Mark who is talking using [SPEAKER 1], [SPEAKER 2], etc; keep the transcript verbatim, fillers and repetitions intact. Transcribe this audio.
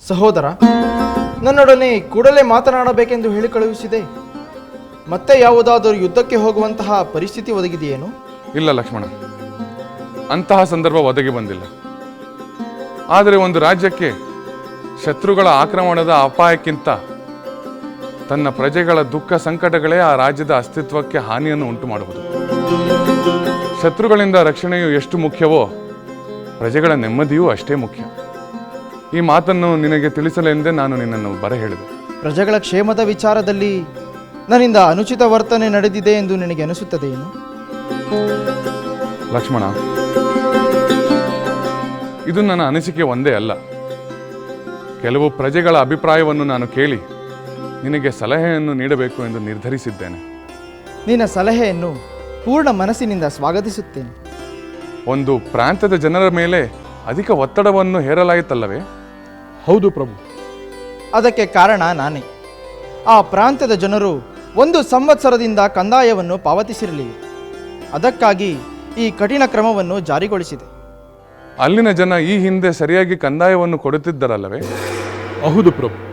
[SPEAKER 1] ಸಹೋದರ, ನನ್ನೊಡನೆ ಕೂಡಲೇ ಮಾತನಾಡಬೇಕೆಂದು ಹೇಳಿ ಕಳುಹಿಸಿದೆ. ಮತ್ತೆ ಯಾವುದಾದರೂ ಯುದ್ಧಕ್ಕೆ ಹೋಗುವಂತಹ ಪರಿಸ್ಥಿತಿ ಒದಗಿದೆಯೇನು?
[SPEAKER 2] ಇಲ್ಲ ಲಕ್ಷ್ಮಣ, ಅಂತಹ ಸಂದರ್ಭ ಒದಗಿ ಬಂದಿಲ್ಲ. ಆದರೆ ಒಂದು ರಾಜ್ಯಕ್ಕೆ ಶತ್ರುಗಳ ಆಕ್ರಮಣದ ಅಪಾಯಕ್ಕಿಂತ ತನ್ನ ಪ್ರಜೆಗಳ ದುಃಖ ಸಂಕಟಗಳೇ ಆ ರಾಜ್ಯದ ಅಸ್ತಿತ್ವಕ್ಕೆ ಹಾನಿಯನ್ನು ಉಂಟು ಮಾಡುವುದು. ಶತ್ರುಗಳಿಂದ ರಕ್ಷಣೆಯು ಎಷ್ಟು ಮುಖ್ಯವೋ ಪ್ರಜೆಗಳ ನೆಮ್ಮದಿಯೂ ಅಷ್ಟೇ ಮುಖ್ಯ. ಈ ಮಾತನ್ನು ನಿನಗೆ ತಿಳಿಸಲೆಂದೇ ನಾನು ನಿನ್ನನ್ನು ಬರ ಹೇಳಿದೆ.
[SPEAKER 1] ಪ್ರಜೆಗಳ ಕ್ಷೇಮದ ವಿಚಾರದಲ್ಲಿ ನನ್ನಿಂದ ಅನುಚಿತ ವರ್ತನೆ ನಡೆದಿದೆ ಎಂದು ನಿನಗೆ ಅನಿಸುತ್ತದೆಯೇನು?
[SPEAKER 2] ಲಕ್ಷ್ಮಣ, ಇದು ನನ್ನ ಅನಿಸಿಕೆ ಒಂದೇ ಅಲ್ಲ. ಕೆಲವು ಪ್ರಜೆಗಳ ಅಭಿಪ್ರಾಯವನ್ನು ನಾನು ಕೇಳಿ ನಿನಗೆ ಸಲಹೆಯನ್ನು ನೀಡಬೇಕು ಎಂದು ನಿರ್ಧರಿಸಿದ್ದೇನೆ.
[SPEAKER 1] ನಿನ್ನ ಸಲಹೆಯನ್ನು ಪೂರ್ಣ ಮನಸ್ಸಿನಿಂದ ಸ್ವಾಗತಿಸುತ್ತೇನೆ.
[SPEAKER 2] ಒಂದು ಪ್ರಾಂತ್ಯದ ಜನರ ಮೇಲೆ ಅಧಿಕ ಒತ್ತಡವನ್ನು ಹೇರಲಾಯಿತಲ್ಲವೇ?
[SPEAKER 3] ಹೌದು ಪ್ರಭು.
[SPEAKER 1] ಅದಕ್ಕೆ ಕಾರಣ ನಾನೇ. ಆ ಪ್ರಾಂತ್ಯದ ಜನರು ಒಂದು ಸಂವತ್ಸರದಿಂದ ಕಂದಾಯವನ್ನು ಪಾವತಿಸಿರಲಿಲ್ಲ. ಅದಕ್ಕಾಗಿ ಈ ಕಠಿಣ ಕ್ರಮವನ್ನು ಜಾರಿಗೊಳಿಸಿದೆ.
[SPEAKER 2] ಅಲ್ಲಿನ ಜನ ಈ ಹಿಂದೆ ಸರಿಯಾಗಿ ಕಂದಾಯವನ್ನು ಕೊಡುತ್ತಿದ್ದರಲ್ಲವೇ?
[SPEAKER 3] ಹೌದು ಪ್ರಭು.